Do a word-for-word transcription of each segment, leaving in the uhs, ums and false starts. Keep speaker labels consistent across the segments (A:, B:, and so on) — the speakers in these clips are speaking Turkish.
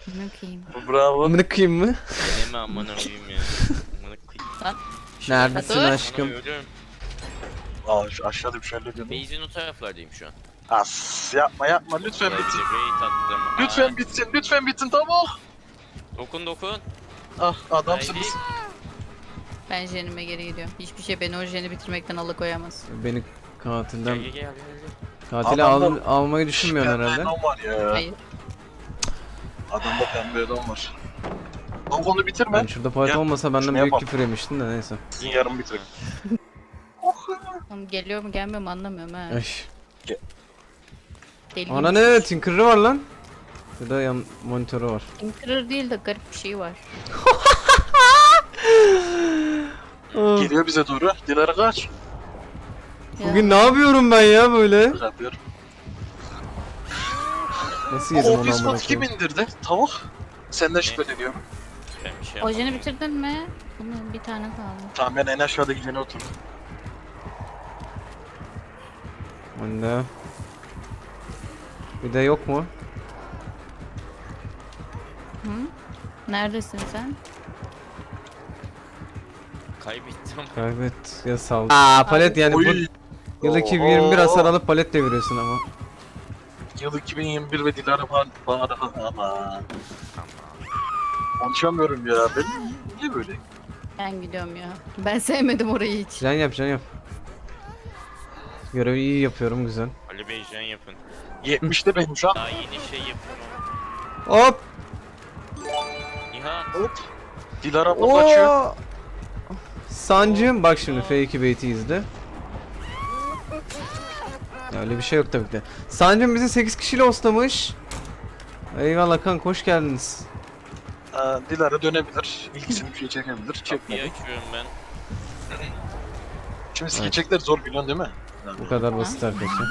A: Bakayım.
B: Bravo.
C: Amına koyayım mı?
D: Deneme amına koyayım ya. Amına koyayım.
A: Lan.
C: Neredesin
A: Dur.
C: aşkım?
D: Amına ölüyorum.
B: Aa şu aşağıda bir şeyler diyordum.
D: Base'in o taraflardayım şu an.
B: As yapma yapma lütfen
D: Vallahi
B: bitsin.
D: raid attım.
B: Lütfen
D: Aa,
B: bitsin lütfen bitsin tamam.
D: Dokun dokun.
B: Ah adamsınız.
D: Haydi.
A: Ben jenime geri gidiyorum. Hiçbir şey beni o jeni bitirmekten alıkoyamaz.
C: Beni
D: Gel
C: katilden
D: gel gel gel.
C: katili
B: Adamda-
C: al, almayı düşünmüyorsun
B: Pembe
C: herhalde.
B: adam var ya.
A: Hayır.
B: Adamda pembe adam var. Lan onu bitirme.
C: Ben şurada palet
B: Gel,
C: olmasa benden
B: şunu
C: büyük
B: yapalım.
C: küfür yemiştin de neyse.
B: Sizin yarım bitir.
A: Oğlum geliyor mu gelmiyor mu anlamıyorum ha.
C: Ay.
A: Deli
C: Ana ne? Tinker'ı var lan. Ya da yan monitörü var.
A: Tinkerer değil de garip bir şey var.
B: Geliyor bize doğru. Dilara kaç.
A: Ya.
C: Bugün ne yapıyorum ben ya böyle?
B: Yapıyorum.
C: Nasıl yedim
B: O
C: onu amına
B: biskot kim
C: koyayım?
B: indirdi? Tavuk. Senden şüpheleniyorum.
D: Ben bir şey
A: O
D: yapmadım.
A: jeni bitirdin mi? Bunun bir tane kaldı.
B: Tamam ben en aşağıda gidene oturdum.
C: Anne. Bir de yok mu?
A: Hı? Neredesin sen?
D: Kaybettim.
C: Kaybet ya sal. Aa palet yani bu
B: Oy.
C: yıl iki bin yirmi bir hasar alıp palet deviriyorsun ama.
B: Yıl iki bin yirmi bir ve Dilara falan bana ama. Konuşamıyorum ya ben. Niye böyle?
A: Ben gidiyorum ya. Ben sevmedim orayı hiç.
C: Can yap can yap. Görevi iyi yapıyorum güzel.
D: Ali Bey jen yapın.
B: yetmişte benim şu an.
D: Daha yeni şey yapıyorum.
C: Hop.
D: Nihat.
B: Hop. Dilara abla kaçıyor.
C: Oo. Sancım bak şimdi F iki beyti izle. Ya öyle bir şey yok tabii ki de. Sancım bizi sekiz kişiyle oslamış. Eyvallah kanka hoş geldiniz.
B: Aa, Dilara dönebilir. İlgisini bir şey çekebilir.
D: Kapıyı
B: Çekmedi.
D: açıyorum ben.
B: Şimdi
C: Evet.
B: skecekler zor biliyorsun değil mi?
C: Bu kadar basit arkadaşlar.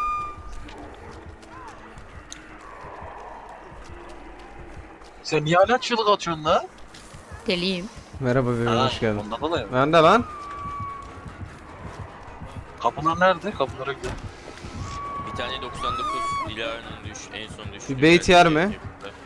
B: Sen niye hala çığlık atıyorsun la?
A: Deliyim.
C: Merhaba bebeğim
B: Ha,
C: hoş geldin.
B: Ondan dolayı.
C: Ben de lan.
B: Kapılar nerede? Kapılara gidelim.
D: Bir tane doksan dokuz Dilara'nın düş en son düştü.
C: Bir bait yer mi?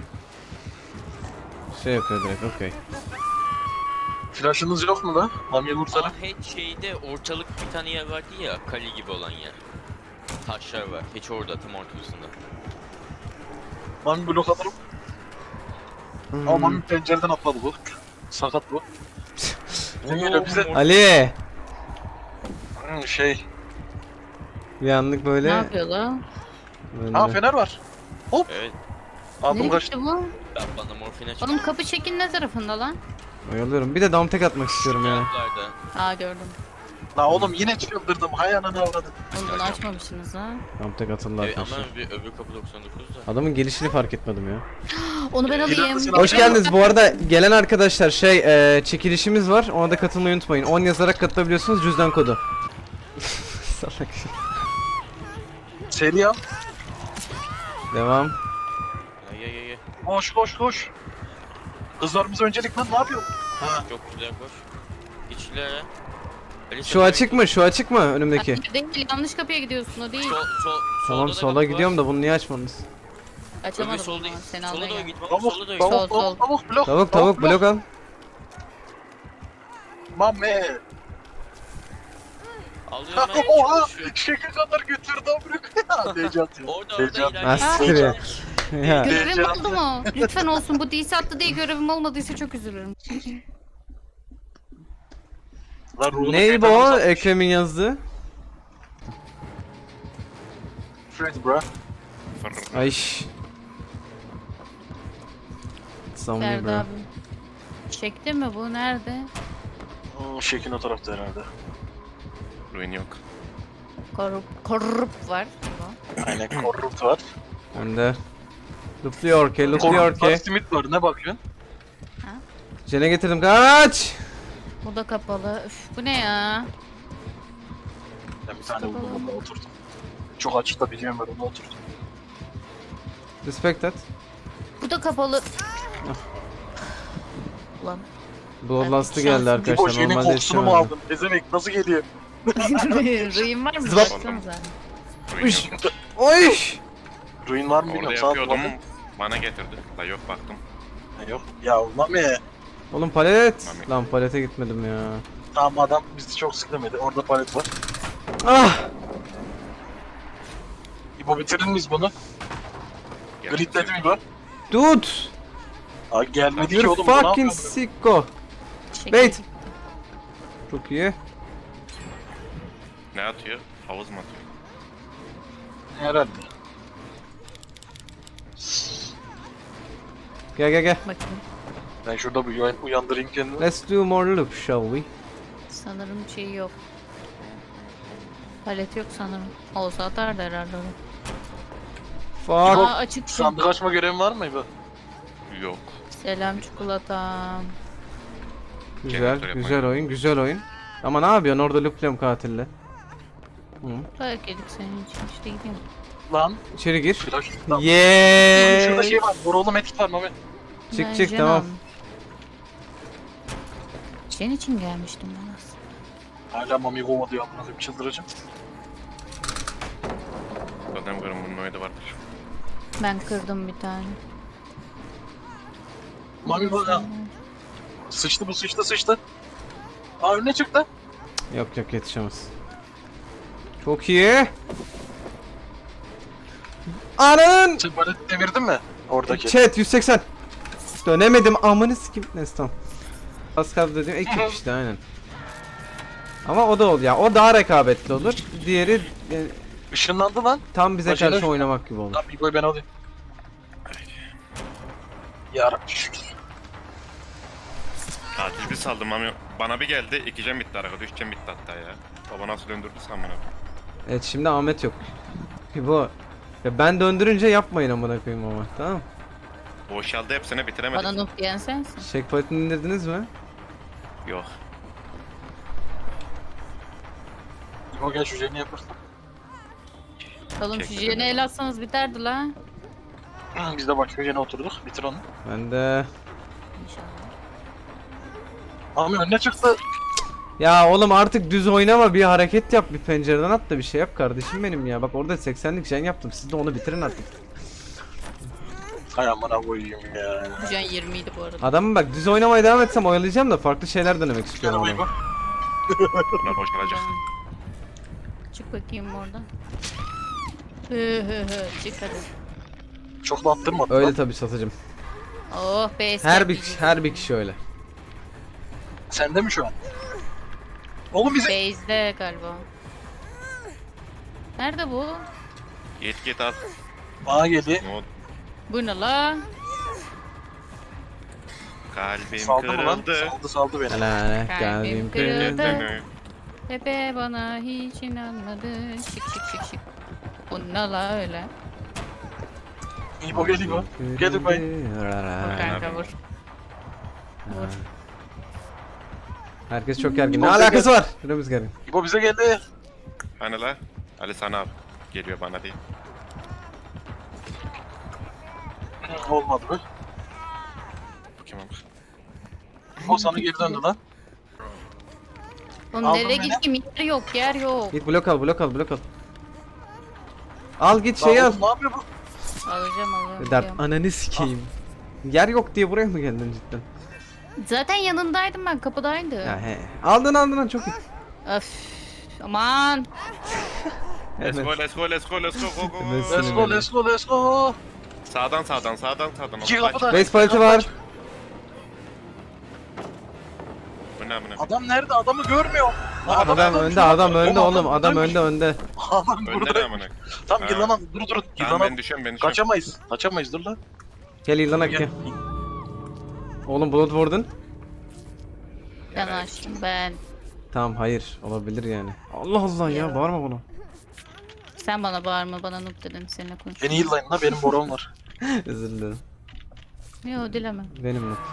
C: Şey yapıyor direkt okey.
B: Flash'ınız yok mu la? Mamiye vursana.
D: Aa hiç şeyde ortalık bir tane yer vardı ya, kale gibi olan yer. Taşlar var, hiç orada tam ortasında.
B: Mami blok alırım.
C: Hmm.
B: Ama Mami pencereden atladı bu. Sakat bu. Ne geliyor bize?
C: Ali.
B: Hmm, şey.
C: Bir anlık
A: Ne
C: böyle.
A: yapıyor lan?
C: böyle.
B: Ha fener var.
D: Evet,
B: Aldım
A: Nereye
B: kaçtı.
A: gitti bu?
D: ben bana morfin açıp
A: Oğlum kapı çekin ne tarafında lan?
C: Oyalıyorum. Bir de dam tek atmak istiyorum ya.
D: taraflarda.
A: Aa gördüm.
B: La oğlum yine çıldırdım. Hay ananı avradım.
A: Oğlum bunu açmamışsınız ha.
C: Dam tek atıldı
D: Evet,
C: arkadaşlar.
D: ama bir öbür kapı doksan dokuz da.
C: Adamın gelişini fark etmedim ya.
A: Onu ben alayım.
B: İlerlesin
C: Hoş
B: abi.
C: geldiniz. Bu arada gelen arkadaşlar şey e, çekilişimiz var. Ona da katılmayı unutmayın. on yazarak katılabiliyorsunuz cüzdan kodu. Salak.
B: Seri al.
C: Devam.
D: Ay ay ay ay.
B: Koş koş koş. Kızlarımız öncelik lan ne yapıyor? Ha.
D: Çok güzel koş. Geç ileri. Ali,
C: Şu
D: sen
C: açık mı? Şu açık mı önümdeki?
A: Değil, yanlış kapıya gidiyorsun o değil.
D: Sol, sol,
C: Tamam
D: solda
C: sola
D: kapı
C: gidiyorum
D: var.
C: da bunu niye açmadınız?
D: Öbür
A: Açamadım
D: sol
A: bunu.
D: değil.
A: Seni
D: Sola
A: almaya
D: doğru
A: geldim.
D: git. baba,
B: Tavuk
D: Sola doğru
B: tavuk
D: git.
A: Sol,
B: tavuk
A: sol.
B: tavuk blok.
C: Tavuk tavuk blok al.
B: Mami.
D: Alıyorum ben.
B: Oha.
D: çalışıyorum.
B: Şaka kadar götürdü amruk. Heyecan.
D: Orada
B: Heyecan.
D: orada ileride.
C: Nasıl ya? Ya.
A: Görevim
B: Heyecan.
A: oldu mu? Lütfen olsun. Bu D C attı diye görevim olmadıysa çok üzülürüm.
B: Lan ruhunu
C: Ney bu?
B: şeytan uzatmış.
C: Ekrem'in yazdığı.
B: Fred bro.
C: Ayş. Samimi
A: Ferdi
C: bro.
A: abi. Çekti mi bu? Nerede?
B: Hmm, Şekin o tarafta herhalde.
D: Ruin yok.
A: Korup, korup var.
B: Aynen korrupt var.
C: Önde. Lupluyor ke, lupluyor
B: Korrupt var,
C: ke.
B: simit var. Ne bakıyorsun?
C: Jene getirdim kaç.
A: Bu da kapalı. Üf, bu ne ya?
B: Ben bir tane buldum onunla oturdum. Çok açıkta biliyorum ben ona oturdum.
C: Respect et.
A: Bu da kapalı. Ulan.
C: Bloodlust'ı
A: şans-
C: geldi
B: Bir
C: arkadaşlar.
B: boş yenin
C: Normalde
B: kokusunu mu
C: yetişemezdim.
B: aldın? Ezemek nasıl geliyor?
A: Rıyım var mı?
C: Zıbap.
A: Baksanıza.
C: Uş. Oy.
B: Ruin var mı
E: Orada
B: bilmiyorum. Sağ
E: yapıyordum.
B: kullandım.
E: Bana getirdi. La yok baktım.
B: Ha, yok. Ya Mami.
C: Oğlum palet.
E: Mami.
C: Lan palete gitmedim ya.
B: Tamam adam bizi çok sıklamedi. Orada palet var.
C: Ah!
B: İbo bitirir miyiz bunu? Gridledi mi İbo?
C: Dude!
B: Aa gelmedi ki
C: You
B: oğlum. bu ne
C: fucking
B: yapıyor?
C: sicko.
A: Çekil.
C: Wait. Çok iyi.
E: Ne atıyor? Havuz mu atıyor?
B: Herhalde.
C: Gel gel gel.
A: Bakayım.
B: Ben şurada bir uyan- uyandırayım kendimi.
C: Let's do more loop shall we?
A: Sanırım şey yok. Palet yok sanırım. Olsa atardı herhalde onu.
C: Fuck.
A: Aa açık şu.
B: Sandık açma görevin var mı İbo?
E: Yok.
A: Selam çikolatam.
C: Güzel,
E: Jeneratör yapmayı.
C: güzel oyun, güzel oyun. Ama ne yapıyorsun orada loopluyorum katille. Hı.
A: Dayak yedik senin için işte gideyim.
B: Lan.
C: İçeri gir.
B: Flash. Tamam.
C: Yeee.
B: Şurada şey var. Borolu medkit var Mami.
C: Çık
A: Ben
C: çık
A: Jen
C: tamam.
A: aldım. Senin için gelmiştim ben aslında.
B: Hala Mami kovma diyor amına koyayım çıldıracağım.
E: Zaten görün bunun oyunu vardır.
A: Ben kırdım bir tane.
B: Mami bak ya. Sıçtı bu sıçtı sıçtı. Aa önüne çıktı.
C: Yok yok yetişemez. Çok iyi. Anın.
B: Sen palet devirdin mi? Oradaki.
C: Chat yüz seksen. Dönemedim amını sikim. Neyse tamam. Az kaldı dediğim ekip işte aynen. Ama o da ol ya. O daha rekabetli olur. Diğeri e,
B: Işınlandı lan.
C: tam bize
B: Başarı.
C: karşı oynamak gibi olur.
B: Tamam İbo'yu ben alayım. Yarabbim şükür.
E: Tatil bir saldım ama bana bir geldi. İki cem bitti arkada. Üç cem bitti hatta ya. Baba nasıl döndürdü sen bana?
C: Evet şimdi Ahmet yok. Bu. Ya ben döndürünce yapmayın amına koyayım ama tamam.
E: Boşaldı hepsini bitiremedik.
A: Bana noob diyen sensin.
C: Checkpoint'ini indirdiniz mi?
E: Yok.
B: İbo gel şu jeni yaparsın.
A: Oğlum şu
E: Çekil
A: jene
E: beni.
A: el atsanız biterdi la.
B: Hı, Biz de başka jene oturduk. Bitir onu.
C: Ben de.
A: İnşallah.
B: Mami önüne çıktı.
C: Ya oğlum artık düz oynama, bir hareket yap, bir pencereden at da bir şey yap kardeşim benim ya. Bak orada seksenlik jen yaptım. Siz de onu bitirin artık.
B: Hay amına koyayım ya.
A: Bu jen yirmi idi bu arada.
C: Adamım bak düz oynamaya devam etsem oyalayacağım da farklı şeyler denemek
B: Gel
C: istiyorum
B: İbo.
C: ama.
E: Bunlar boşalacak.
A: Çık bakayım oradan. Hı hı hı çık hadi.
B: Çok da attırmadı.
C: Öyle
B: Öyle.
C: tabii satıcım.
A: Oh be
C: Her bir kişi, her bir kişi öyle.
B: Sende mi şu an? Oğlum bize...
A: Base'de galiba. Nerede bu?
E: Git git al.
B: Bana geldi.
E: Ne oldu?
A: Bu ne la?
E: Kalbim
B: Saldı mı lan?
E: kırıldı.
B: Saldı saldı beni.
C: Helal,
A: Kalbim
C: kalbim
A: kırıldı.
C: kırıldı.
A: Pepe bana hiç inanmadı. Şık şık şık şık. Bu ne la öyle?
B: İbo gel İbo. Gel İbo.
A: Vur kanka vur. Vur.
C: Herkes çok gergin. Ne
B: İbo
C: alakası var? Şuramız gergin.
B: İbo bize geldi.
E: Hani la? Ali sana al. Geliyor bana değil.
B: Hı, Olmadı be.
E: Bu kim olmuş?
B: O sana geri döndü lan.
A: Oğlum
B: Aldın
A: nereye
B: beni.
A: gittim? Yer yok yer yok.
C: Git blok al, blok al, blok al. Al git
B: Lan
C: şey al.
B: oğlum ne yapıyor bu?
A: Alacağım alacağım.
C: Dert
A: diyorum.
C: ananı sikeyim. Yer yok diye buraya mı geldin cidden?
A: Zaten yanındaydım ben kapıdaydı.
C: Ya he. Aldın aldın lan çok iyi.
A: Öf. Aman.
E: Let's
C: Evet.
E: go, let's go, let's go, let's go, go, go,
C: Evet,
E: go.
B: Let's go let's go let's go.
E: Sağdan sağdan sağdan sağdan.
B: İki
E: Kaç.
B: kapıda.
C: Base paleti var.
E: Bu ne bu ne?
B: Adam nerede? Adamı görmüyor. Lan
C: Adam önde, adam önde oğlum. Adam önde önde.
B: Adam
E: Önde ne
B: burada.
E: amına?
B: Tam
E: Ha.
B: yılanan. Dur dur.
E: Tamam
B: Yılanan.
E: ben düşüyorum ben düşüyorum.
B: Kaçamayız. Kaçamayız dur lan.
C: Gel İlhan Akki.
B: Gel.
C: Oğlum Bloodborne'un.
A: Ben açtım ben.
C: Tamam hayır olabilir yani. Allah Allah ya,
A: Ya.
C: bağırma bana.
A: Sen bana bağırma bana noob dedim seninle konuş.
B: Beni yıllayın la benim borom var.
C: Özür dilerim.
A: Yok dileme.
C: Benim mi?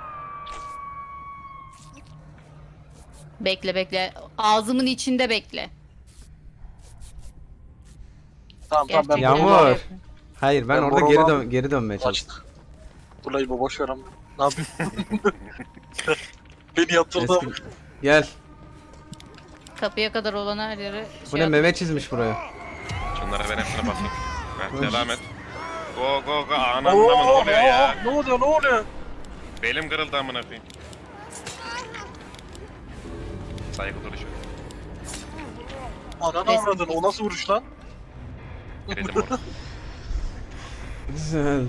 A: Bekle bekle. Ağzımın içinde bekle.
B: Tamam tamam ben
A: Gerçekten
C: Yağmur.
B: borom
A: öyle.
C: Hayır ben
B: Ben
C: orada
B: Borom
C: geri
B: aldım.
C: dön geri dönmeye çalıştım.
B: Açtık. Dur la İbo boş ver ama. Ne yapayım? Beni yatırdı ama.
C: Eski... Gel.
A: Kapıya kadar olan her yere
C: Bu
A: şey
C: ne,
A: at-
C: meme çizmiş buraya.
E: Şunlara ben hepsine basayım. Ha,
C: Hoş.
E: devam et. Go go go ananla mı ne oluyor ya?
B: Ne oluyor ne oluyor?
E: Belim kırıldı amına koyayım. Saygı duruşu.
B: Ananı
A: Resmi.
B: avradın o nasıl vuruş lan?
E: Kredim orada.
C: Güzel.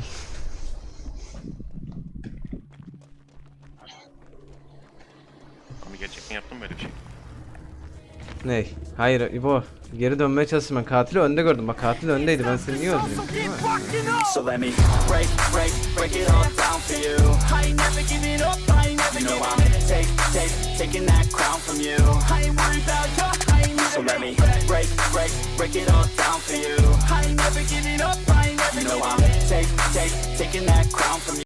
E: Ama gerçekten yaptım böyle bir şey.
C: Ney? Hayır İbo. Geri dönmeye çalıştım ben. Katili önde gördüm. Bak katil öndeydi. Ben seni niye öldüreyim? Değil mi?
F: So let me break, break, break it all down for you. I ain't never giving up, I ain't never giving up. Take, take, taking that crown from you. I ain't worried about you, I ain't never. So let me break, break, break it all down for you. I ain't never giving up, I ain't never giving up. Take, take, taking that crown from you.